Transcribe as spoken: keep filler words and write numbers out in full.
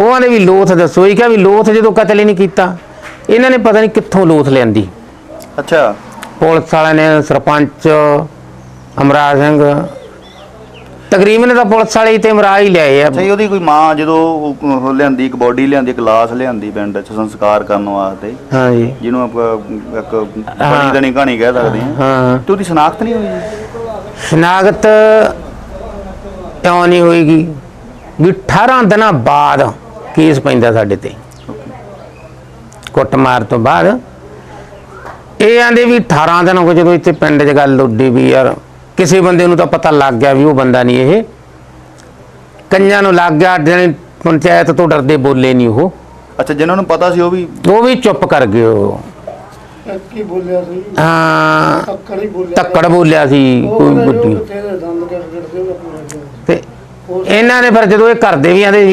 ਉਹ ਆਂਦੇ ਵੀ ਲੋਥ ਦੱਸੋ। ਇਹ ਕਿਹਾ ਵੀ ਲੋਥ ਜਦੋਂ ਕਤਲ ਹੀ ਨਹੀਂ ਕੀਤਾ, ਇਹਨਾਂ ਨੇ ਪਤਾ ਨਹੀਂ ਕਿੱਥੋਂ ਲੋਥ ਲਿਆਂਦੀ। ਅੱਛਾ, ਪੁਲਿਸ ਵਾਲਿਆਂ ਨੇ, ਸਰਪੰਚ ਅਮਰਾਜ ਸਿੰਘ, ਤਕਰੀਬਨ ਤਾਂ ਪੁਲਿਸ ਵਾਲੇ ਤੇ ਅਮਰਾਜ ਹੀ ਲਿਆਏ ਆ। ਅੱਛਾ, ਉਹਦੀ ਕੋਈ ਮਾਂ ਜਦੋਂ ਉਹ ਲਿਆਂਦੀ, ਇੱਕ ਬੋਡੀ ਲਿਆਂਦੀ, ਇੱਕ ਲਾਸ਼ ਲਿਆਂਦੀ ਪਿੰਡ 'ਚ ਸੰਸਕਾਰ ਕਰਨ ਵਾਸਤੇ, ਹਾਂ ਜੀ, ਜਿਹਨੂੰ ਆਪਾਂ ਇੱਕ ਬਣੀ ਦਣੀ ਕਹਾਣੀ ਕਹਿ ਸਕਦੇ ਹਾਂ, ਹਾਂ। ਤੇ ਉਹਦੀ ਸ਼ਨਾਖਤ ਨਹੀਂ ਹੋਈ ਜੀ? ਸ਼ਨਾਖਤ ਕਿਉਂ ਨਹੀਂ ਹੋਏਗੀ ਵੀ ਅਠਾਰਾਂ ਦਿਨਾਂ ਬਾਅਦ ਕੇਸ ਪੈਂਦਾ ਸਾਡੇ ਤੇ ਕੁੱਟਮਾਰ ਤੋਂ ਬਾਅਦ। ਇਹ ਆਂਦੇ ਵੀ ਅਠਾਰਾਂ ਦਿਨ ਹੋ ਜਦੋਂ ਇੱਥੇ ਪਿੰਡ 'ਚ ਗੱਲ ਉੱਡੀ ਵੀ ਯਾਰ ਕਿਸੇ ਬੰਦੇ ਨੂੰ ਤਾਂ ਪਤਾ ਲੱਗ ਗਿਆ ਵੀ ਉਹ ਬੰਦਾ ਨਹੀਂ, ਇਹ ਕਈਆਂ ਨੂੰ ਲੱਗ ਗਿਆ, ਪੰਚਾਇਤ ਤੋਂ ਡਰਦੇ ਬੋਲੇ ਨਹੀਂ ਉਹ। ਅੱਛਾ, ਜਿਨ੍ਹਾਂ ਨੂੰ ਪਤਾ ਸੀ ਉਹ ਵੀ ਉਹ ਵੀ ਚੁੱਪ ਕਰ ਗਏ। ਉਹ ਕੀ ਬੋਲਿਆ ਸੀ? ਹਾਂ, ਤੱਕੜ ਹੀ ਬੋਲਿਆ, ਤੱਕੜ ਬੋਲਿਆ ਸੀ ਕੋਈ ਵੱਡੀ। ਤੇ ਇਹਨਾਂ ਨੇ ਫਿਰ ਜਦੋਂ ਇਹ ਘਰ ਦੇ ਵੀ ਆਂਦੇ